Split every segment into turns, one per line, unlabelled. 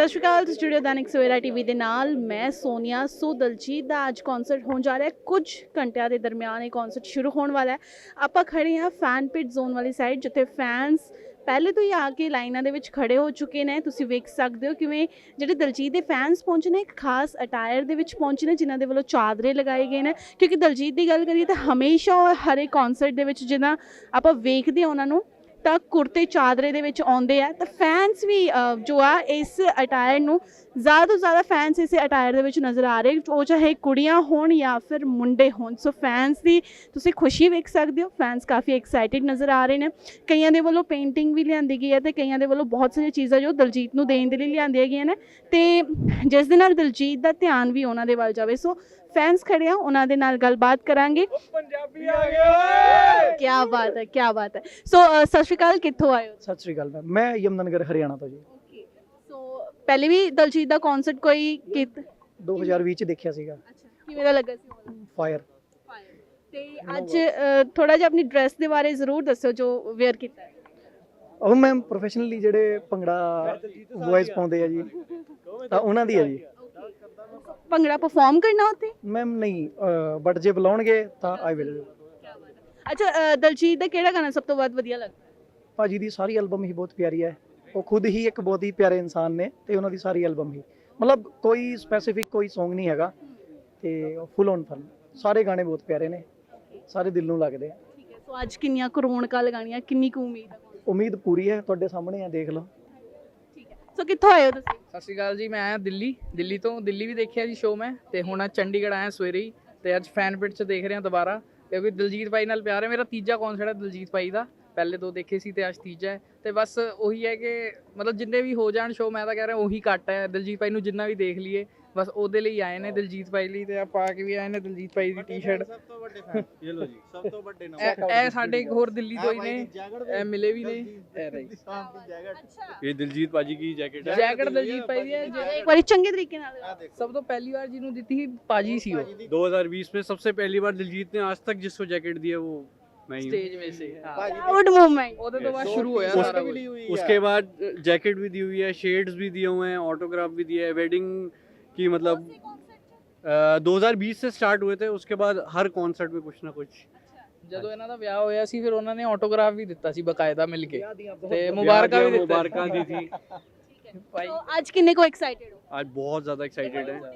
ਸਤਿ ਸ਼੍ਰੀ ਅਕਾਲ ਸਟੂਡੀਓ ਦੈਨਿਕ ਸਵੇਰਾ ਟੀਵੀ ਦੇ ਨਾਲ ਮੈਂ ਸੋਨੀਆ। ਸੋ ਦਲਜੀਤ ਦਾ ਅੱਜ ਕਨਸਰਟ ਹੋਣ ਜਾ ਰਿਹਾ ਹੈ। ਕੁਝ ਘੰਟਿਆਂ ਦੇ ਦਰਮਿਆਨ ਇਹ ਕਨਸਰਟ ਸ਼ੁਰੂ ਹੋਣ ਵਾਲਾ ਹੈ। ਆਪਾਂ ਖੜੇ ਹਾਂ ਫੈਨ ਪਿਟ ਜ਼ੋਨ ਵਾਲੀ ਸਾਈਡ, ਜਿੱਥੇ ਫੈਨਸ ਪਹਿਲੇ ਤੋਂ ਹੀ ਆ ਕੇ ਲਾਈਨਾਂ ਦੇ ਵਿੱਚ ਖੜੇ ਹੋ ਚੁੱਕੇ ਨੇ। ਤੁਸੀਂ ਵੇਖ ਸਕਦੇ ਹੋ ਕਿਵੇਂ ਜਿਹੜੇ ਦਲਜੀਤ ਦੇ ਫੈਨਸ ਪਹੁੰਚੇ ਨੇ, ਇੱਕ ਖਾਸ ਅਟਾਇਰ ਦੇ ਵਿੱਚ ਪਹੁੰਚੇ ਨੇ, ਜਿਨ੍ਹਾਂ ਦੇ ਵੱਲੋਂ ਚਾਦਰੇ ਲਗਾਏ ਗਏ ਨੇ। ਕਿਉਂਕਿ ਦਲਜੀਤ ਦੀ ਗੱਲ ਕਰੀਏ ਤਾਂ ਹਮੇਸ਼ਾ ਹਰ ਇੱਕ ਕਨਸਰਟ ਦੇ ਵਿੱਚ ਜਿੱਦਾਂ ਆਪਾਂ ਵੇਖਦੇ ਹਾਂ ਉਹਨਾਂ ਨੂੰ ਤਾਂ ਕੁੜਤੇ ਚਾਦਰੇ ਦੇ ਵਿੱਚ ਆਉਂਦੇ ਆ, ਤਾਂ ਫੈਨਸ ਵੀ ਜੋ ਆ ਇਸ ਅਟਾਇਰ ਨੂੰ ਜ਼ਿਆਦਾ ਤੋਂ ਜ਼ਿਆਦਾ ਫੈਨਸ ਇਸੇ ਅਟਾਇਰ ਦੇ ਵਿੱਚ ਨਜ਼ਰ ਆ ਰਹੇ, ਉਹ ਚਾਹੇ ਕੁੜੀਆਂ ਹੋਣ ਜਾਂ ਫਿਰ ਮੁੰਡੇ ਹੋਣ। ਸੋ ਫੈਨਸ ਦੀ ਤੁਸੀਂ ਖੁਸ਼ੀ ਵੇਖ ਸਕਦੇ ਹੋ। ਫੈਨਸ ਕਾਫੀ ਐਕਸਾਈਟਿਡ ਨਜ਼ਰ ਆ ਰਹੇ ਨੇ। ਕਈਆਂ ਦੇ ਵੱਲੋਂ ਪੇਂਟਿੰਗ ਵੀ ਲਿਆਂਦੀ ਗਈ ਹੈ ਤੇ ਕਈਆਂ ਦੇ ਵੱਲੋਂ ਬਹੁਤ ਸਾਰੀਆਂ ਚੀਜ਼ਾਂ ਜੋ ਦਲਜੀਤ ਨੂੰ ਦੇਣ ਦੇ ਲਈ ਲਿਆਂਦੀਆਂ ਗਈਆਂ ਨੇ, ਤੇ ਜਿਸ ਦੇ ਨਾਲ ਦਲਜੀਤ ਦਾ ਧਿਆਨ ਵੀ ਉਹਨਾਂ ਦੇ ਵੱਲ ਜਾਵੇ। ਸੋ ਫੈਨਸ ਖੜੇ ਆ, ਉਹਨਾਂ ਦੇ ਨਾਲ ਗੱਲਬਾਤ ਕਰਾਂਗੇ।
ਪੰਜਾਬੀ ਆ ਗਏ।
ਕੀ ਬਾਤ ਹੈ, ਕੀ ਬਾਤ ਹੈ। ਸੋ ਸਤਿ ਸ਼੍ਰੀ ਅਕਾਲ, ਕਿੱਥੋਂ ਆਏ ਹੋ?
ਸਤਿ ਸ਼੍ਰੀ ਅਕਾਲ ਮੈਂ ਯਮੁਨਾਨਗਰ ਹਰਿਆਣਾ ਤੋਂ ਜੀ।
ਸੋ ਪਹਿਲੇ ਵੀ ਦਲਜੀਤ ਦਾ ਕਨਸਰਟ ਕੋਈ
2020 ਚ ਦੇਖਿਆ ਸੀਗਾ।
ਅੱਛਾ, ਕਿਵੇਂ ਦਾ ਲੱਗਾ ਸੀ?
ਫਾਇਰ।
ਤੇ ਅੱਜ ਥੋੜਾ ਜਿਹਾ ਆਪਣੀ ਡਰੈਸ ਦੇ ਬਾਰੇ ਜ਼ਰੂਰ ਦੱਸੋ ਜੋ ਵੇਅਰ ਕੀਤਾ ਹੈ।
ਉਹ ਮੈਂ ਪ੍ਰੋਫੈਸ਼ਨਲੀ ਜਿਹੜੇ ਭੰਗੜਾ ਵੌਇਸ ਪਾਉਂਦੇ ਆ ਜੀ, ਤਾਂ ਉਹਨਾਂ ਦੀ ਹੈ ਜੀ।
ਭੰਗੜਾ ਪਰਫਾਰਮ ਕਰਨਾ ਉੱਥੇ?
ਮੈਮ ਨਹੀਂ, ਬਟ ਜੇ ਬੁਲਾਉਣਗੇ ਤਾਂ ਆਈ ਵਿਲ।
ਅੱਛਾ, ਦਲਜੀਤ ਦਾ ਕਿਹੜਾ ਗਾਣਾ ਸਭ ਤੋਂ ਵੱਧ ਵਧੀਆ ਲੱਗਦਾ?
ਭਾਜੀ ਦੀ ਸਾਰੀ ਐਲਬਮ ਹੀ ਬਹੁਤ ਪਿਆਰੀ ਹੈ। ਉਹ ਖੁਦ ਹੀ ਇੱਕ ਬਹੁਤ ਹੀ ਪਿਆਰੇ ਇਨਸਾਨ ਨੇ, ਤੇ ਉਹਨਾਂ ਦੀ ਸਾਰੀ ਐਲਬਮ ਹੀ ਮਤਲਬ ਕੋਈ ਸਪੈਸੀਫਿਕ ਕੋਈ Song ਨਹੀਂ ਹੈਗਾ, ਤੇ ਫੁੱਲ ਔਨ ਫਨ ਸਾਰੇ ਗਾਣੇ ਬਹੁਤ ਪਿਆਰੇ ਨੇ, ਸਾਰੇ ਦਿਲ ਨੂੰ ਲੱਗਦੇ ਆ।
ਠੀਕ ਹੈ। ਸੋ ਅੱਜ ਕਿੰਨੀਆਂ ਕੁ ਰੌਣਕਾਂ ਲਗਾਉਣੀਆਂ, ਕਿੰਨੀ ਕੁ ਉਮੀਦ ਹੈ?
ਉਮੀਦ ਪੂਰੀ ਹੈ, ਤੁਹਾਡੇ ਸਾਹਮਣੇ ਆ, ਦੇਖ ਲਓ।
ਠੀਕ ਹੈ। ਸੋ ਕਿੱਥੋਂ ਆਏ ਹੋ ਤੁਸੀਂ?
ਸਤਿ ਸ਼੍ਰੀ ਅਕਾਲ ਜੀ, ਮੈਂ ਆਇਆ ਦਿੱਲੀ ਤੋਂ। ਦਿੱਲੀ ਵੀ ਦੇਖਿਆ ਜੀ ਸ਼ੋਅ ਮੈਂ, ਤੇ ਹੁਣ ਅੱਜ ਚੰਡੀਗੜ੍ਹ ਆਇਆ ਸਵੇਰੇ ਹੀ, ਤੇ ਅੱਜ ਫੈਨ ਪਿਟ 'ਚ ਦੇਖ ਰਿਹਾ ਦੁਬਾਰਾ, ਕਿਉਂਕਿ ਦਲਜੀਤ ਭਾਈ ਨਾਲ ਪਿਆਰ ਹੈ। ਮੇਰਾ ਤੀਜਾ ਕਨਸਰਟ ਹੈ ਦਲਜੀਤ ਭਾਈ ਦਾ, ਪਹਿਲੇ ਦੋ ਦੇਖੇ ਸੀ ਤੇ ਅੱਜ ਤੀਜਾ ਹੈ। ਤੇ ਬਸ ਉਹੀ ਹੈ ਕਿ ਮਤਲਬ ਜਿੰਨੇ ਵੀ ਹੋ ਜਾਣ ਸ਼ੋਅ, ਮੈਂ ਤਾਂ ਕਹਿ ਰਿਹਾ ਉਹੀ ਘੱਟ ਹੈ। ਦਲਜੀਤ ਭਾਈ ਨੂੰ ਜਿੰਨਾ ਵੀ ਦੇਖ ਲਈਏ, ਬਸ ਉਹਦੇ ਲਈ ਆਏ ਨੇ, ਦਲਜੀਤ ਭਾਈ ਲਈ। ਤੇ ਆ ਪਾ ਕੇ ਵੀ ਆਏ ਨੇ ਦਲਜੀਤ ਭਾਈ ਦੀ ਟੀ-ਸ਼ਰਟ।
ਸਭ ਤੋਂ ਵੱਡੇ ਫੈਨ ਇਹ ਲੋ ਜੀ, ਸਭ ਤੋਂ ਵੱਡੇ
ਇਹ ਸਾਡੇ ਇੱਕ ਹੋਰ ਦਿੱਲੀ ਤੋਂ ਹੀ ਨੇ, ਇਹ ਮਿਲੇ ਵੀ ਨੇ। ਇਹ ਰਹੀ
ਇਹ ਦਿਲਜੀਤ ਭਾਜੀ ਕੀ ਜੈਕਟ ਹੈ।
ਜੈਕਟ ਦਲਜੀਤ ਭਾਈ ਦੀ ਹੈ।
ਇੱਕ ਵਾਰੀ ਚੰਗੇ ਤਰੀਕੇ ਨਾਲ।
ਸਭ ਤੋਂ ਪਹਿਲੀ ਵਾਰ ਜਿਹਨੂੰ ਦਿੱਤੀ ਸੀ ਪਾਜੀ ਸੀ ਉਹ।
2020 में सबसे पहली बार दिलजीत ने आज तक जिसको जैकेट दी है वो मैं ही हूँ।
ਸਟੇਜ ਵਿੱਚ ਸੇ
ਪ੍ਰਾਊਡ ਮੂਵਮੈਂਟ।
ਉਹਦੇ ਤੋਂ ਬਾਅਦ ਸ਼ੁਰੂ ਹੋਇਆ ਸਾਰਾ ਕੁਝ।
उसके बाद जैकेट भी दी हुई है, शेड्स भी दिए हुए हैं, ऑटोग्राफ भी दिया है। वेडिंग की मतलब 2020 से स्टार्ट हुए थे, उसके बाद हर कॉन्सर्ट में कुछ ना कुछ।
ਜਦੋਂ ਇਹਨਾਂ ਦਾ ਵਿਆਹ ਹੋਇਆ ਸੀ, ਫਿਰ ਉਹਨਾਂ ਨੇ ਆਟੋਗ੍ਰਾਫ ਵੀ ਦਿੱਤਾ ਸੀ ਬਕਾਇਦਾ ਮਿਲ ਕੇ, ਤੇ ਮੁਬਾਰਕਾਂ ਵੀ ਦਿੱਤੀਆਂ।
मुबारक दी थी।
ਭਾਈ
ਸੋ ਅੱਜ ਕਿੰਨੇ ਕੋ ਐਕਸਾਈਟਿਡ ਹੋ?
आज बहुत ज्यादा एक्साइटेड है।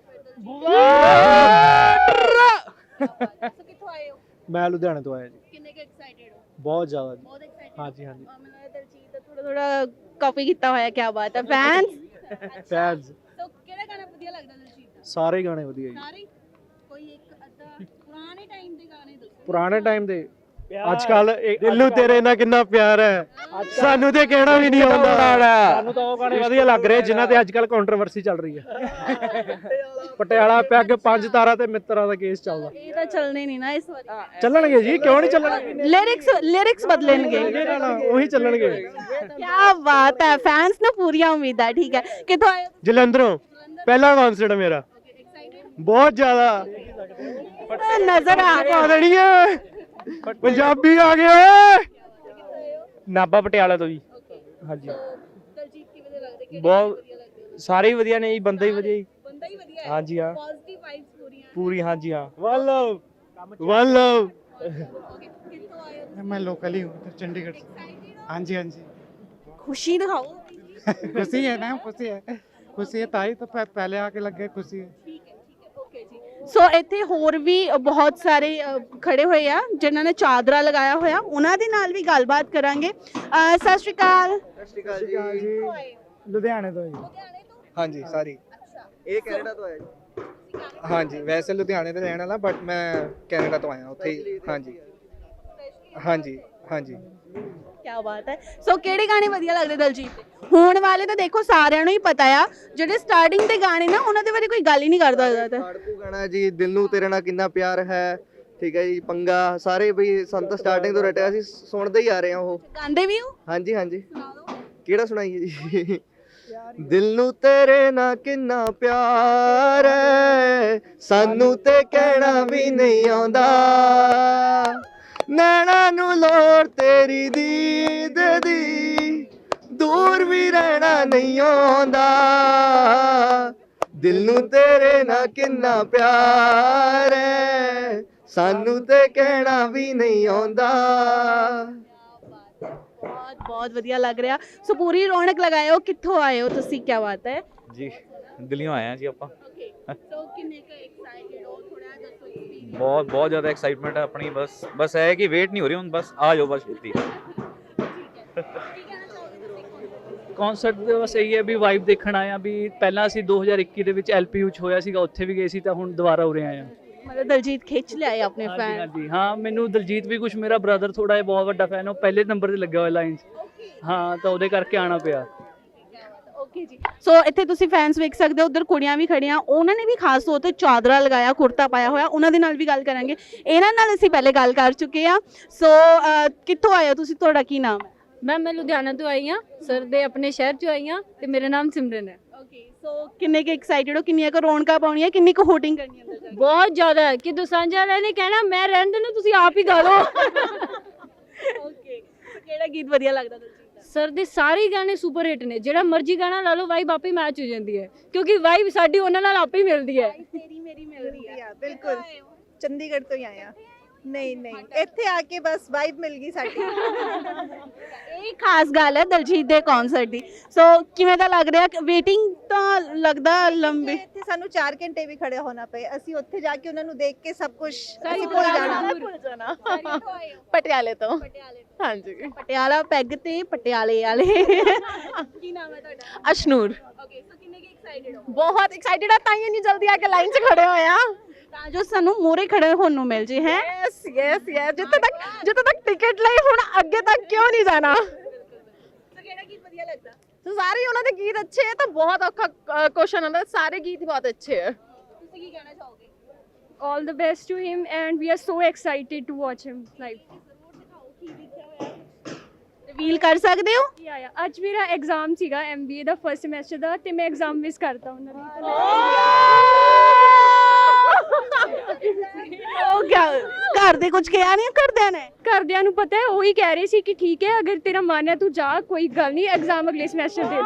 ਸੋ ਕਿੱਥੋਂ ਆਏ ਹੋ?
ਮੈਂ ਲੁਧਿਆਣੇ ਤੋਂ ਆਇਆ ਜੀ।
ਕਿੰਨੇ ਕੁ ਐਕਸਾਈਟਡ ਹੋ?
ਬਹੁਤ ਜ਼ਿਆਦਾ ਜੀ।
ਬਹੁਤ ਐਕਸਾਈਟਡ।
ਹਾਂਜੀ ਹਾਂਜੀ।
ਮੈਨੂੰ ਲੱਗਦਾ ਦਲਜੀਤ ਦਾ ਥੋੜਾ ਕਾਪੀ ਕੀਤਾ ਹੋਇਆ। ਕੀ ਬਾਤ ਹੈ। ਫੈਨਸ
ਫੈਨਸ
ਸੋ ਕਿਹੜਾ ਗਾਣਾ ਵਧੀਆ ਲੱਗਦਾ ਦਲਜੀਤ ਦਾ?
ਸਾਰੇ ਗਾਣੇ ਵਧੀਆ ਜੀ।
ਸਾਰੇ? ਕੋਈ ਇੱਕ ਅੱਧਾ ਪੁਰਾਣੇ ਟਾਈਮ ਦੇ ਗਾਣੇ ਦੱਸੋ।
ਪੁਰਾਣੇ ਟਾਈਮ ਦੇ ਅੱਜ ਕੱਲ ਦਿਲ ਨੂੰ ਤੇਰੇ ਨਾਲ ਕਿੰਨਾ ਪਿਆਰ ਹੈ, ਸਾਨੂੰ ਤੇ ਕਹਿਣਾ ਵੀ ਨਹੀਂ ਆਉਂਦਾ। ਸਾਨੂੰ ਤਾਂ ਉਹ ਗਾਣੇ ਵਧੀਆ ਲੱਗ ਰਹੇ ਜਿਨ੍ਹਾਂ ਤੇ ਅੱਜ ਕੱਲ ਕੰਟਰੋਵਰਸੀ ਚੱਲ ਰਹੀ ਹੈ। ਪਟਿਆਲਾ ਪੈਗ, 5 ਤਾਰਾ ਤੇ ਮਿੱਤਰਾਂ ਦਾ ਕੇਸ ਚੱਲਦਾ।
ਇਹ ਤਾਂ ਚੱਲਣੇ ਨਹੀਂ ਨਾ ਇਸ ਵਾਰੀ।
ਚੱਲਣਗੇ ਜੀ, ਕਿਉਂ ਨਹੀਂ ਚੱਲਣਗੇ?
ਲਿਰਿਕਸ ਬਦਲਣਗੇ।
ਉਹੀ ਚੱਲਣਗੇ।
ਕੀ ਬਾਤ ਹੈ। ਫੈਨਸ ਨੂੰ ਪੂਰੀਆਂ ਉਮੀਦਾਂ। ਠੀਕ ਹੈ। ਕਿੱਥੋਂ ਆਏ ਹੋ?
ਜਲੰਧਰੋਂ। ਪਹਿਲਾ ਕਨਸਰਟ ਮੇਰਾ। ਬਹੁਤ ਜ਼ਿਆਦਾ
ਨਜ਼ਰ ਆ
ਪਾ ਦੇਣੀ ਹੈ। ਪੰਜਾਬੀ ਆ ਗਏ ਓਏ। ਨਾਭਾ ਪਟਿਆਲਾ ਤੋਂ ਜੀ। ਹਾਂਜੀ।
ਦਲਜੀਤ ਕਿਵੇਂ ਦੇ ਲੱਗਦੇ? ਕਿਹੜੇ
ਬਹੁਤ
ਵਧੀਆ ਲੱਗਦੇ?
ਸਾਰੇ ਹੀ ਵਧੀਆ ਨੇ ਜੀ, ਬੰਦੇ ਹੀ ਵਧੀਆ ਜੀ।
ਬੰਦਾ ਹੀ ਵਧੀਆ ਹੈ।
ਹਾਂਜੀ ਹਾਂ,
ਪੋਜ਼ਿਟਿਵ ਵਾਈਬਸ ਪੂਰੀਆਂ।
ਪੂਰੀ। ਹਾਂਜੀ ਹਾਂ। One love one love.
ਕਿੱਥੋਂ ਆਏ ਹੋ?
मैं लोकल ही हूँ चंडीगढ़ से।
Excited हो?
हाँ जी हाँ जी।
खुशी दिखाओ।
खुशी है ना, खुशी है ताई तो पहले आके लग गए, खुशी है।
ਠੀਕ ਹੈ ਓਕੇ ਜੀ। ਸੋ ਇੱਥੇ ਹੋਰ ਵੀ ਬਹੁਤ ਸਾਰੇ ਖੜੇ ਹੋਏ ਆ ਜਿਨ੍ਹਾਂ ਨੇ ਚਾਦਰਾ ਲਗਾਇਆ ਹੋਇਆ, ਉਹਨਾਂ ਦੇ ਨਾਲ ਵੀ ਗੱਲਬਾਤ ਕਰਾਂਗੇ। ਸਤਿ ਸ਼੍ਰੀ ਅਕਾਲ।
ਸਤਿ ਸ਼੍ਰੀ ਅਕਾਲ ਜੀ।
ਕਿੱਥੋਂ ਆਏ ਹੋ?
ਲੁਧਿਆਣੇ ਤੋਂ ਜੀ।
ਲੁਧਿਆਣੇ ਤੋਂ?
ਹਾਂਜੀ ਸਾਰੀ।
ਅੱਛਾ।
ਇਹ ਕੈਨੇਡਾ ਤੋਂ ਆਇਆ ਜੀ।
ਤੁਸੀਂ ਕੈਨੇਡਾ
ਹਾਂਜੀ, ਵੈਸੇ ਲੁਧਿਆਣੇ ਦੇ ਰਹਿਣ ਵਾਲਾ, ਬਟ ਮੈਂ ਕੈਨੇਡਾ ਤੋਂ ਆਇਆ ਉੱਥੇ ਹੀ। ਹਾਂਜੀ ਹਾਂਜੀ ਹਾਂਜੀ।
ਕੀ ਬਾਤ ਹੈ। ਸੋ ਕਿਹੜੇ ਗਾਣੇ ਵਧੀਆ ਲੱਗਦੇ ਦਲਜੀਤ ਦੇ? ਹੋਣ ਵਾਲੇ ਤਾਂ ਦੇਖੋ ਸਾਰਿਆਂ ਨੂੰ ਹੀ ਪਤਾ ਆ, ਜਿਹੜੇ ਸਟਾਰਟਿੰਗ ਦੇ ਗਾਣੇ ਨਾ ਉਹਨਾਂ ਦੇ ਬਾਰੇ ਕੋਈ ਗੱਲ ਹੀ ਨਹੀਂ ਕਰਦਾ ਜ਼ਿਆਦਾ।
ਖਾੜਕੂ ਗਾਣਾ ਜੀ, ਦਿਲ ਨੂੰ ਤੇਰੇ ਨਾਲ ਕਿੰਨਾ ਪਿਆਰ ਹੈ, ਠੀਕ ਹੈ ਜੀ, ਪੰਗਾ, ਸਾਰੇ ਬਈ ਸਾਨੂੰ ਤਾਂ ਸਟਾਰਟਿੰਗ ਤੋਂ ਰਟਿਆ, ਅਸੀਂ ਸੁਣਦੇ ਹੀ ਆ ਰਹੇ ਹਾਂ ਉਹ।
ਗਾਉਂਦੇ ਵੀ ਹੋ?
ਹਾਂਜੀ ਹਾਂਜੀ।
ਸੁਣਾ ਦਿਓ।
ਕਿਹੜਾ ਸੁਣਾਈਏ ਜੀ? ਦਿਲ ਨੂੰ ਤੇਰੇ ਨਾਲ ਕਿੰਨਾ ਪਿਆਰ ਹੈ, ਸਾਨੂੰ ਤੇ ਕਹਿਣਾ ਵੀ ਨਹੀਂ ਆਉਂਦਾ, ਨੈਣਾ ਨੂੰ ਲੋੜ ਤੇਰੀ ਦੀਦ ਦੀ, ਦੂਰ ਵੀ ਰਹਿਣਾ ਨਹੀਂ ਆਉਂਦਾ ਦਿਲ ਨੂੰ ਤੇਰੇ ਨਾਲ ਕਿੰਨਾ ਪਿਆਰ ਹੈ ਸਾਨੂੰ ਤੇ ਕਹਿਣਾ ਵੀ ਨਹੀਂ ਆਉਂਦਾ
ਬਹੁਤ ਬਹੁਤ ਵਧੀਆ ਲੱਗ ਰਿਹਾ ਸੋ ਪੂਰੀ ਰੌਣਕ ਲਗਾਏ ਹੋ ਕਿੱਥੋਂ ਆਏ ਹੋ ਤੁਸੀਂ ਕੀ ਬਾਤ ਹੈ
ਜੀ ਦਿੱਲੀੋਂ ਆਏ ਆ ਜੀ ਆਪਾਂ
ਓਕੇ ਸੋ ਕਿੰਨੇ ਕ ਐਕਸਾਈਟਡ ਹੋ ਥੋੜਾ ਦੱਸੋ experience।
ਬਹੁਤ ਜ਼ਿਆਦਾ ਐਕਸਾਈਟਮੈਂਟ ਹੈ ਆਪਣੀ ਬਸ ਇਹ ਹੈ ਕਿ ਵੇਟ ਨਹੀਂ ਹੋ ਰਹੀ ਹੁਣ ਬਸ ਆ ਜਾਓ ਬਸ ਛੇਤੀ
ਕਨਸਰਟ ਦੇ ਬਸ ਇਹੀ ਹੈ ਵੀ ਵਾਈਬ ਦੇਖਣ ਆਏ ਆ ਵੀ ਪਹਿਲਾਂ ਅਸੀਂ 2021 ਦੇ ਵਿੱਚ ਐਲਪੀਯੂ ਚ ਹੋਇਆ ਸੀਗਾ ਉੱਥੇ ਵੀ ਗਏ ਸੀ ਤਾਂ ਹੁਣ ਦੁਬਾਰਾ ਉਰੇ ਆਏ ਆ
ਮਤਲਬ ਦਲਜੀਤ ਖਿੱਚ ਲਿਆਏ ਆਪਣੇ
ਹਾਂਜੀ
ਫੈਨ
ਹਾਂਜੀ ਹਾਂ ਮੈਨੂੰ ਦਲਜੀਤ ਵੀ ਕੁਝ ਮੇਰਾ ਬ੍ਰਦਰ ਥੋੜਾ ਜਿਹਾ ਬਹੁਤ ਵੱਡਾ ਫੈਨ ਉਹ ਪਹਿਲੇ ਨੰਬਰ ਤੇ ਲੱਗਿਆ ਹੋਇਆ ਲਾਈਨ 'ਚ ਹਾਂ ਤਾਂ ਉਹਦੇ ਕਰਕੇ ਆਣਾ ਪਿਆ
ਓਕੇ ਜੀ ਸੋ ਇੱਥੇ ਤੁਸੀਂ ਫੈਨਸ ਵੇਖ ਸਕਦੇ ਹੋ ਉਧਰ ਕੁੜੀਆਂ ਵੀ ਖੜੀਆਂ ਉਹਨਾਂ ਨੇ ਵੀ ਖਾਸ ਤੌਰ ਤੇ ਚਾਦਰਾ ਲਗਾਇਆ ਕੁੜਤਾ ਪਾਇਆ ਹੋਇਆ ਉਹਨਾਂ ਦੇ ਨਾਲ ਵੀ ਗੱਲ ਕਰਾਂਗੇ ਇਹਨਾਂ ਨਾਲ ਅਸੀਂ ਪਹਿਲੇ ਗੱਲ ਕਰ ਚੁੱਕੇ ਆ ਸੋ ਕਿੱਥੋਂ ਆਏ ਹੋ ਤੁਸੀਂ ਤੁਹਾਡਾ ਕੀ ਨਾਮ ਹੈ
ਮੈਮ ਮੈਂ ਲੁਧਿਆਣਾ ਤੋਂ ਆਈ ਹਾਂ ਸਰ ਦੇ ਆਪਣੇ ਸ਼ਹਿਰ ਚੋਂ ਆਈ ਹਾਂ ਤੇ ਮੇਰਾ ਨਾਮ ਸਿਮਰਨ ਹੈ
ਓਕੇ ਸੋ ਕਿੰਨੇ ਕੁ ਐਕਸਾਈਟਡ ਹੋ ਕਿੰਨੀਆਂ ਕੁ ਰੌਣਕਾਂ ਪਾਉਣੀਆਂ ਕਿੰਨੀ ਕੁ ਹੋਟਿੰਗ ਕਰਨੀ ਅੰਦਰ ਜਾ ਕੇ
ਬਹੁਤ ਜ਼ਿਆਦਾ ਹੈ ਕਿ ਦੋਸਾਂਝ ਵਾਲਿਆਂ ਨੇ ਕਹਿਣਾ ਮੈਂ ਰਹਿਣ ਦੇਣਾ ਤੁਸੀਂ ਆਪ ਹੀ ਗਾ ਲਓ
ਓਕੇ ਕਿਹੜਾ ਗੀਤ ਵਧੀਆ ਲੱਗਦਾ ਦਲਜੀਤ ਦਾ
ਸਰ ਦੇ ਸਾਰੇ ਗਾਣੇ ਸੁਪਰ ਹਿੱਟ ਨੇ ਜਿਹੜਾ ਮਰਜ਼ੀ ਗਾਣਾ ਲਾ ਲਓ ਵਾਈਬ ਆਪੇ ਮੈਚ ਹੋ ਜਾਂਦੀ ਹੈ ਕਿਉਂਕਿ ਵਾਈਬ ਸਾਡੀ ਉਹਨਾਂ ਨਾਲ ਆਪੇ ਹੀ ਮਿਲਦੀ ਹੈ
ਤੇਰੀ ਮੇਰੀ ਮਿਲਦੀ ਆ
ਬਿਲਕੁਲ ਚੰਡੀਗੜ੍ਹ ਤੋਂ ਹੀ ਆਏ ਆ ਨਹੀਂ ਨਹੀਂ ਇੱਥੇ ਆ ਕੇ ਬਸ ਵਾਈਬ ਮਿਲ ਗਈ ਸਾਡੀ
ਇਹ ਖਾਸ ਗੱਲ ਹੈ ਦਲਜੀਤ ਦੇ ਕਨਸਰਟ ਦੀ ਸੋ ਕਿਵੇਂ ਦਾ ਲੱਗ ਰਿਹਾ ਵੇਟਿੰਗ ਤਾਂ ਲੱਗਦਾ ਲੰਬੀ
ਇੱਥੇ ਸਾਨੂੰ 4 ਘੰਟੇ ਵੀ ਖੜੇ ਹੋਣਾ ਪਏ ਅਸੀਂ ਉੱਥੇ ਜਾ ਕੇ ਉਹਨਾਂ ਨੂੰ ਦੇਖ ਕੇ ਸਭ ਕੁਝ
ਸਾਰੀ
ਭੁੱਲ
ਦੁਕਾਨ
ਜਾਣਾ
ਪਟਿਆਲੇ ਤੋਂ ਹਾਂਜੀ ਪਟਿਆਲਾ ਪੈਗ ਤੇ ਪਟਿਆਲੇ ਵਾਲੇ ਕੀ ਨਾਮ ਹੈ ਤੁਹਾਡਾ
ਅਸ਼ਨੂਰ
ਓਕੇ ਸੋ ਕਿੰਨੇ ਕੀ ਐਕਸਾਈਟਡ ਹੋ
ਬਹੁਤ ਐਕਸਾਈਟਡ ਆ ਤਾਂ ਹੀ ਇੰਨੀ ਜਲਦੀ ਆ ਕੇ ਲਾਈਨ 'ਚ ਖੜੇ ਹੋਏ ਆ
ਤਾਂ ਜੋ ਸਾਨੂੰ ਮੋਰੇ ਖੜੇ ਹੋਣ ਨੂੰ ਮਿਲ ਜੇ ਹੈ
ਯੈਸ ਯੈਸ ਯੈਸ ਜਿੱਥੇ ਤੱਕ ਟਿਕਟ ਲਈ ਹੁਣ ਅੱਗੇ ਤੱਕ ਕਿਉਂ ਨਹੀਂ ਜਾਣਾ
ਸੋ ਕਿਹੜਾ ਗੀਤ ਵਧੀਆ ਲੱਗਦਾ
ਸਾਰੇ ਉਹਨਾਂ ਦੇ ਗੀਤ ਅੱਛੇ ਹੈ ਤਾਂ ਬਹੁਤ ਔਖਾ ਕੁਐਸਚਨ ਹੁੰਦਾ ਸਾਰੇ ਗੀਤ ਹੀ ਬਹੁਤ ਅੱਛੇ ਹੈ
ਤੁਸੀਂ ਕੀ ਕਹਿਣਾ ਚਾਹੋਗੇ
all the best to him and we are so excited to watch him live
ਜ਼ਰੂਰ ਦਿਖਾਓ ਕੀ ਲਿਖਿਆ ਹੋਇਆ ਰਿਵੀਲ ਕਰ ਸਕਦੇ ਹੋ
yeah ਅੱਜ ਮੇਰਾ ਐਗਜ਼ਾਮ ਸੀਗਾ MBA ਦਾ ਫਰਸਟ ਸਮੈਸਟਰ ਦਾ ਤੇ ਮੈਂ ਐਗਜ਼ਾਮ ਮਿਸ ਕਰਤਾ ਉਹਨਾਂ ਦੀ
ਉਹ ਕਿਆ ਘਰ ਦੇ ਕੁਝ ਕਿਹਾ ਨਹੀਂ ਕਰਦਿਆਂ ਨੇ
ਘਰਦਿਆਂ ਨੂੰ ਪਤਾ ਹੈ ਉਹੀ ਕਹਿ ਰਹੇ ਸੀ ਕਿ ਠੀਕ ਹੈ ਅਗਰ ਤੇਰਾ ਮਨ ਹੈ ਤੂੰ ਜਾ ਕੋਈ ਗੱਲ ਨਹੀਂ ਐਗਜ਼ਾਮ ਅਗਲੇ ਸਮੈਸਟਰ ਦੇ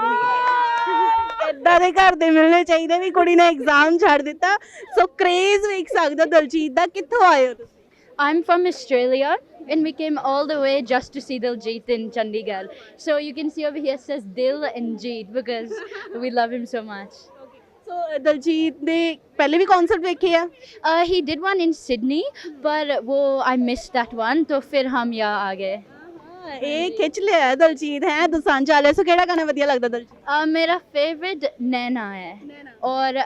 ਦੇ
ਇਦਾਂ ਦੇ ਘਰ ਦੇ ਮਿਲਣੇ ਚਾਹੀਦੇ ਵੀ ਕੁੜੀ ਨੇ ਐਗਜ਼ਾਮ ਛੱਡ ਦਿੱਤਾ ਸੋ ਕ੍ਰੇਜ਼ ਵੇਖ ਸਕਦੇ ਹੋ ਦਲਜੀਤ ਦਾ ਕਿੱਥੋਂ ਆਏ ਹੋ ਤੁਸੀਂ
I'm from Australia and we came all the way just to see Diljit in Chandigarh. So you can see over here says Dil and Jeet because we love him so much.
ਸੋ ਦਲਜੀਤ ਦੇ ਪਹਿਲੇ ਵੀ concert ਵੇਖੇ ਆ
He did one in Sydney but I missed that one तो फिर हम यहाँ आ गए.
ਇਹ ਖਿੱਚ ਲਿਆ ਦਲਜੀਤ ਹੈ ਦੁਸਾਂਝ ਵਾਲੇ ਸੋ ਕਿਹੜਾ ਗਾਣਾ ਵਧੀਆ ਲੱਗਦਾ ਦਲਜੀਤ
मेरा favorite नैना है और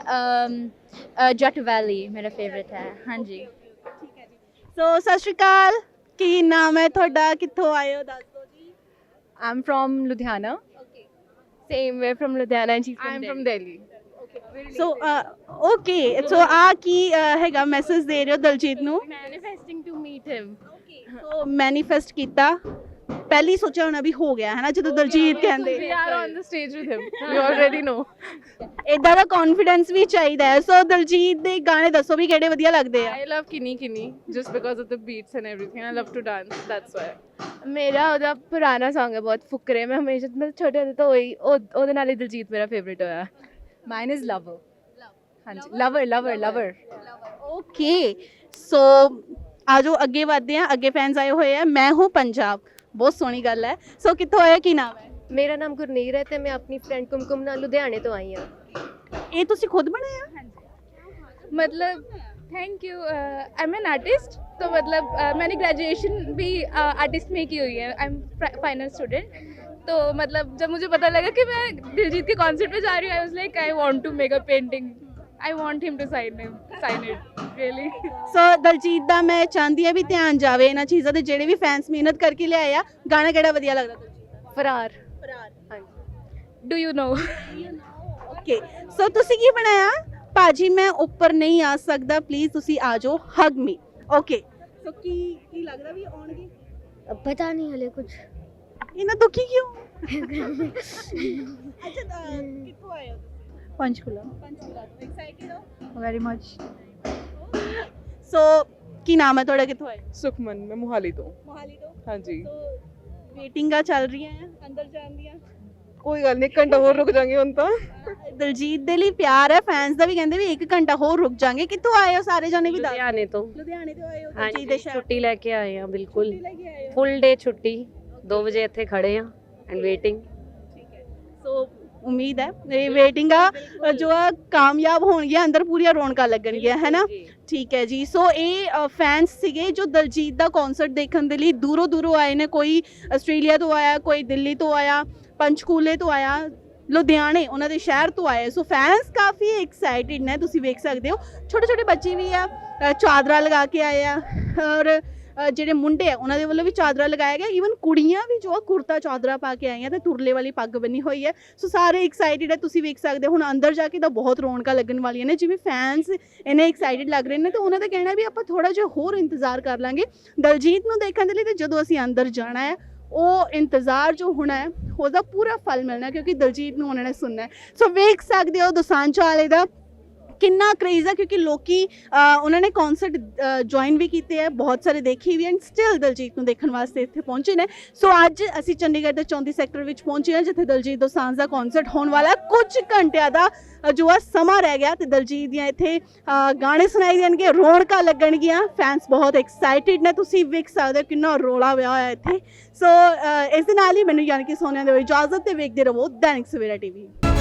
Jat Valley मेरा favorite है. हाँ जी.
ਸੋ ਸਤਿ ਸ਼੍ਰੀ ਅਕਾਲ ਕੀ ਨਾਮ ਹੈ ਤੁਹਾਡਾ ਕਿੱਥੋਂ ਆਏ ਹੋ ਦੱਸ ਦਿਓ ਜੀ
I'm from Ludhiana.
Okay
Same way from Ludhiana and she's from Delhi.
So okay so ਆ ਕੀ ਹੈਗਾ ਮੈਸੇਜ ਦੇ ਰਹੇ ਹੋ ਦਲਜੀਤ ਨੂੰ
Manifesting to meet him.
So manifest ਕੀਤਾ ਪਹਿਲੀ ਸੋਚਿਆ ਹੋਣਾ ਵੀ ਹੋ ਗਿਆ ਹੈ ਨਾ ਜਦੋਂ ਦਲਜੀਤ ਕਹਿੰਦੇ
We are on the stage with him. We already know.
ਇਦਾਂ ਦਾ ਕੌਨਫੀਡੈਂਸ ਵੀ ਚਾਹੀਦਾ ਹੈ ਸੋ ਦਲਜੀਤ ਦੇ ਗਾਣੇ ਦੱਸੋ ਵੀ ਕਿਹੜੇ ਵਧੀਆ ਲੱਗਦੇ ਆ
I love Kini Kini just because of the beats and everything. I love to dance. That's why. ਮੇਰਾ ਉਹਦਾ ਪੁਰਾਣਾ Song ਹੈ ਬਹੁਤ ਫੁਕਰੇ ਮੈਂ ਹਮੇਸ਼ਾ ਮਤਲਬ ਛੋਟੇ ਹੁੰਦੇ ਤੋਂ ਉਹਦੇ ਨਾਲ ਹੀ ਦਿਲਜੀਤ ਮੇਰਾ ਫੇਵਰਿਟ ਹੋਇਆ Mine is Lover. ਹਾਂਜੀ Lover.
ਓਕੇ ਸੋ ਆਜੋ ਅੱਗੇ ਵਧਦੇ ਆ ਅੱਗੇ ਫੈਨਸ ਆਏ ਹੋਏ ਆ ਮੈਂ ਹੂੰ ਪੰਜਾਬ ਬਹੁਤ ਸੋਹਣੀ ਗੱਲ ਹੈ ਸੋ ਕਿੱਥੋਂ ਆਇਆ ਕੀ ਨਾਮ ਹੈ
ਮੇਰਾ ਨਾਮ ਗੁਰਨੀਰ ਹੈ ਤੇ ਮੈਂ ਆਪਣੀ ਫਰੈਂਡ ਕੁਮਕੁਮ ਨਾਲ ਲੁਧਿਆਣੇ ਤੋਂ ਆਈ ਹਾਂ
ਇਹ ਤੁਸੀਂ ਖੁਦ ਬਣਾਇਆ
मतलब thank you I am an artist तो मतलब मैंने ग्रेजुएशन भी आर्टिस्ट में की हुई है आई एम फाइनल स्टूडेंट तो मतलब जब मुझे पता लगा कि मैं दिलजीत के कॉन्सर्ट में जा रही हूँ I was like I want to make a painting I want him to sign it really
so Daljit ਦਾ ਮੈਂ ਚਾਹੁੰਦੀ ਆ ਵੀ ਧਿਆਨ ਜਾਵੇ ਇਹਨਾਂ ਚੀਜ਼ਾਂ ਤੇ ਜਿਹੜੇ ਵੀ ਫੈਨਸ ਮਿਹਨਤ ਕਰਕੇ ਲਿਆਏ ਆ ਗਾਣਾ ਕਿਹੜਾ ਵਧੀਆ ਲੱਗਦਾ ਦਲਜੀਤ
फरार
ਦਾ
do you know
okay so ਤੁਸੀਂ ਕੀ ਬਣਾਇਆ ਭਾਜੀ ਮੈਂ ਉੱਪਰ ਨਹੀਂ ਆ ਸਕਦਾ ਪਲੀਜ਼ ਤੁਸੀਂ ਆ ਜਾਓ ਹਗ ਮੀ ਓਕੇ ਸੋ ਕੀ ਲੱਗਦਾ ਵੀ ਆਉਣਗੇ
पता नहीं हले कुछ.
ਇਹਨਾਂ ਦੁਖੀ ਕਿਉਂ ਅੱਛਾ ਕਿੱਥੋਂ ਆਏ ਹੋ
पंचकुला.
ਪੰਚਕੂਲਾ ਤੋਂ ਐਕਸਾਈਟਿਡ ਹੋ
Very much.
ਸੋ ਕੀ ਨਾਮ ਹੈ ਤੁਹਾਡਾ ਕਿੱਥੋਂ ਆਏ
सुखमन मैं मोहाली तो
ਮੋਹਾਲੀ ਤੋਂ
हाँ जी
ਸੋ ਵੇਟਿੰਗਾਂ ਚੱਲ ਰਹੀਆਂ ਆ ਅੰਦਰ ਜਾਣ ਦੀਆਂ
ਕੋਈ ਗੱਲ ਨਹੀਂ, ਘੰਟਾ ਹੋਰ ਰੁਕ ਜਾਾਂਗੇ ਹੁਣ ਤਾਂ।
ਦਲਜੀਤ ਦੇ ਲਈ ਪਿਆਰ ਹੈ, ਫੈਨਸ ਦਾ ਵੀ ਕਹਿੰਦੇ ਵੀ 1 ਘੰਟਾ ਹੋਰ ਰੁਕ ਜਾਾਂਗੇ। ਕਿੱਥੋਂ ਆਏ ਹੋ ਸਾਰੇ ਜਾਣੇ ਵੀ ਦੱਸ?
ਲੁਧਿਆਣੇ ਤੋਂ।
ਲੁਧਿਆਣੇ ਤੋਂ ਆਏ ਹੋ
ਹਾਂਜੀ
ਦਲਜੀਤ ਦੇ ਸ਼ਹਿਰ
ਛੁੱਟੀ ਲੈ ਕੇ ਆਏ ਆ, ਬਿਲकुल
ਲੈ ਕੇ ਆਏ ਹੋ।
ਫੁੱਲ ਡੇ ਛੁੱਟੀ 2 ਵਜੇ ਇੱਥੇ ਖੜੇ ਆ ਐਂਡ ਵੇਟਿੰਗ।
ਸੋ ਉਮੀਦ ਹੈ ਇਹ ਵੇਟਿੰਗ ਆ ਜੋ ਆ ਕਾਮਯਾਬ ਹੋਣਗੀਆਂ, ਅੰਦਰ ਪੂਰੀਆਂ ਰੌਣਕਾਂ ਲੱਗਣਗੀਆਂ, ਹੈ ਨਾ? ਠੀਕ ਹੈ ਜੀ। ਸੋ ਇਹ ਫੈਨਸ ਸੀਗੇ ਜੋ ਦਲਜੀਤ ਦਾ ਕਨਸਰਟ ਦੇਖਣ ਦੇ ਲਈ ਦੂਰੋਂ ਦੂਰੋਂ ਆਏ ਨੇ। ਕੋਈ ਆਸਟ੍ਰੇਲੀਆ ਤੋਂ ਆਇਆ, ਕੋਈ ਦਿੱਲੀ ਤੋਂ ਆਇਆ, ਪੰਚਕੂਲੇ ਤੋਂ ਆਇਆ, ਲੁਧਿਆਣੇ ਉਹਨਾਂ ਦੇ ਸ਼ਹਿਰ ਤੋਂ ਆਏ। ਸੋ ਫੈਨਸ ਕਾਫੀ ਐਕਸਾਈਟਿਡ ਨੇ, ਤੁਸੀਂ ਵੇਖ ਸਕਦੇ ਹੋ। ਛੋਟੇ ਛੋਟੇ ਬੱਚੇ ਵੀ ਆ, ਚਾਦਰਾ ਲਗਾ ਕੇ ਆਏ ਆ, ਔਰ ਜਿਹੜੇ ਮੁੰਡੇ ਆ ਉਹਨਾਂ ਦੇ ਵੱਲੋਂ ਵੀ ਚਾਦਰਾ ਲਗਾਇਆ ਗਿਆ। ਈਵਨ ਕੁੜੀਆਂ ਵੀ ਜੋ ਆ ਕੁੜਤਾ ਚਾਦਰਾ ਪਾ ਕੇ ਆਈਆਂ ਤੇ ਤੁਰਲੇ ਵਾਲੀ ਪੱਗ ਬੰਨੀ ਹੋਈ ਹੈ। ਸੋ ਸਾਰੇ ਐਕਸਾਈਟਿਡ ਹੈ, ਤੁਸੀਂ ਵੇਖ ਸਕਦੇ ਹੋ। ਹੁਣ ਅੰਦਰ ਜਾ ਕੇ ਤਾਂ ਬਹੁਤ ਰੌਣਕਾਂ ਲੱਗਣ ਵਾਲੀਆਂ ਨੇ। ਜਿਵੇਂ ਫੈਨਸ ਇੰਨੇ ਐਕਸਾਈਟਿਡ ਲੱਗ ਰਹੇ ਨੇ ਤੇ ਉਹਨਾਂ ਦਾ ਕਹਿਣਾ ਵੀ ਆਪਾਂ ਥੋੜਾ ਜਿਹਾ ਹੋਰ ਇੰਤਜ਼ਾਰ ਕਰ ਲਾਂਗੇ ਦਲਜੀਤ ਨੂੰ ਦੇਖਣ ਦੇ ਲਈ। ਤੇ ਜਦੋਂ ਅਸੀਂ ਅੰਦਰ ਜਾਣਾ ਹੈ ਉਹ ਇੰਤਜ਼ਾਰ ਜੋ ਹੋਣਾ ਹੈ ਉਹਦਾ ਪੂਰਾ ਫਲ ਮਿਲਣਾ, ਕਿਉਂਕਿ ਦਲਜੀਤ ਨੂੰ ਉਹਨਾਂ ਨੇ ਸੁਣਨਾ ਹੈ। ਸੋ ਵੇਖ ਸਕਦੇ ਹੋ ਦੋਸਾਂਝਾ ਵਾਲੇ ਦਾ ਕਿੰਨਾ ਕ੍ਰੇਜ਼ ਹੈ, ਕਿਉਂਕਿ ਲੋਕੀ ਉਹਨਾਂ ਨੇ ਕਨਸਰਟ ਜੁਆਇਨ ਵੀ ਕੀਤੇ ਹੈ, ਬਹੁਤ ਸਾਰੇ ਦੇਖੇ ਵੀ ਐਂਡ ਸਟਿਲ ਦਲਜੀਤ ਨੂੰ ਦੇਖਣ ਵਾਸਤੇ ਇੱਥੇ ਪਹੁੰਚੇ ਨੇ। ਸੋ ਅੱਜ ਅਸੀਂ ਚੰਡੀਗੜ੍ਹ ਦੇ 34 ਸੈਕਟਰ ਵਿੱਚ ਪਹੁੰਚੇ ਹਾਂ, ਜਿੱਥੇ ਦਲਜੀਤ ਦੋਸਾਂਝ ਦਾ ਕਨਸਰਟ ਹੋਣ ਵਾਲਾ। ਕੁਝ ਘੰਟਿਆਂ ਦਾ ਜੋ ਆ ਸਮਾਂ ਰਹਿ ਗਿਆ ਤੇ ਦਲਜੀਤ ਦੀਆਂ ਇੱਥੇ ਗਾਣੇ ਸੁਣਾਏ ਜਾਣਗੇ, ਰੌਣਕਾਂ ਲੱਗਣਗੀਆਂ। ਫੈਨਸ ਬਹੁਤ ਐਕਸਾਈਟਿਡ ਨੇ, ਤੁਸੀਂ ਵੇਖ ਸਕਦੇ ਹੋ ਕਿੰਨਾ ਰੌਲਾ ਪਿਆ ਹੋਇਆ ਇੱਥੇ। ਸੋ ਇਸ ਦੇ ਨਾਲ ਹੀ ਮੈਨੂੰ ਯਾਨੀ ਕਿ ਸੋਨੀਆ ਦੇ ਇਜਾਜ਼ਤ ਤੇ ਵੇਖਦੇ ਰਹੋ ਦੈਨਿਕ ਸਵੇਰਾ ਟੀਵੀ।